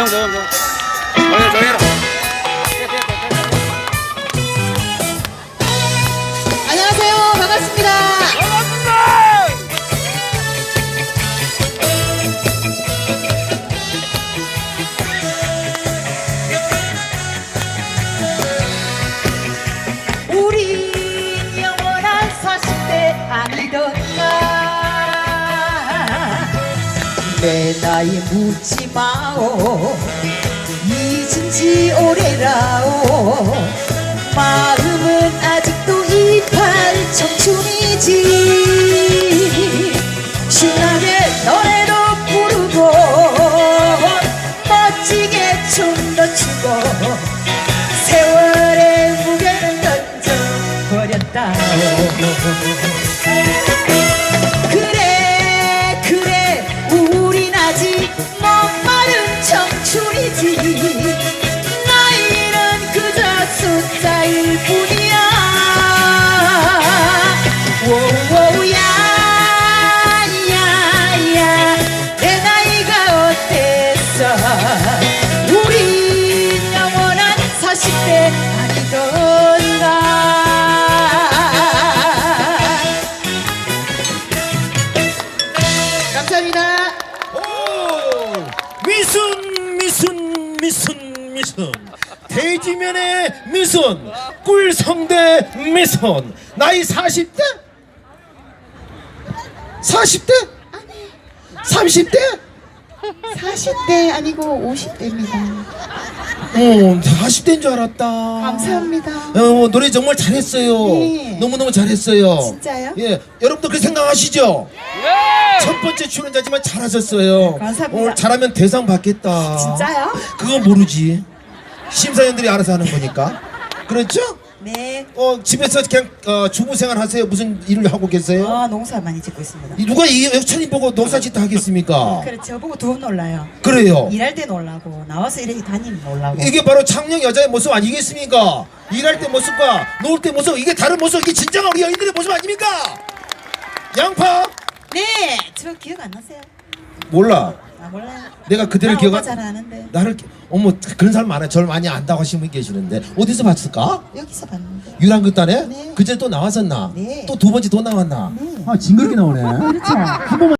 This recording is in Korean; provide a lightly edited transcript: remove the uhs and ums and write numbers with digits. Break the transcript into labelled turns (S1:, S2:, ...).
S1: 정해라.
S2: 안녕하세요. 반갑습니다. 우리 영원한 40대 아니던가. 내 나이 묻지 마오. 잊은 지 오래라오. 마음은 아직도 28 청춘이지. 신나게 노래도 부르고 멋지게 춤도 추고 세월의 무게는 던져버렸다. 그래 그래 우린 아직 목마른 청춘이지. 나이는 그저 숫자일 뿐이야. 오오야 야야 내 나이가 어땠어. 우린 영원한 40대 아니던가. 감사합니다.
S3: 미순 대지면의 미순 꿀성대 미순 나이 40대? 40대? 30대?
S2: 40대 아니고 50대입니다.
S3: 40대인 줄 알았다.
S2: 감사합니다.
S3: 노래 정말 잘했어요.
S2: 네.
S3: 너무너무 잘했어요.
S2: 진짜요?
S3: 예, 여러분도 그렇게 생각하시죠? 첫 번째 출연자지만 잘하셨어요.
S2: 감사합니다.
S3: 오늘 잘하면 대상 받겠다.
S2: 진짜요?
S3: 그건 모르지. 심사위원들이 알아서 하는 거니까. 그렇죠?
S2: 네.
S3: 집에서 그냥 주부 생활 하세요? 무슨 일을 하고 계세요?
S2: 농사 많이 짓고 있습니다.
S3: 누가 이 여천이 보고 농사짓다 하겠습니까?
S2: 그래 저보고 두 번 놀라요.
S3: 그래요.
S2: 일할 때 놀라고 나와서 이렇게 다니면 놀라고.
S3: 이게 바로 창녕 여자의 모습 아니겠습니까? 일할 때 모습과 놀 때 모습, 이게 다른 모습, 이게 진정한 우리 여인들의 모습 아닙니까? 양파?
S2: 네, 저 기억 안 나세요?
S3: 몰라.
S2: 아 몰라요.
S3: 내가 그대를
S2: 나
S3: 기억
S2: 오빠
S3: 안...
S2: 잘 아는데.
S3: 나를 어머 그런 사람 많아요. 저를 많이 안다고 하시는 분이 계시는데 어디서 봤을까?
S2: 여기서 봤는데.
S3: 유랑극단에?
S2: 네.
S3: 그전에 또 나왔었나?
S2: 네.
S3: 또 두 번째 또 나왔나?
S2: 네.
S3: 아 징그럽게 나오네.
S2: 그렇죠.
S3: 한 번만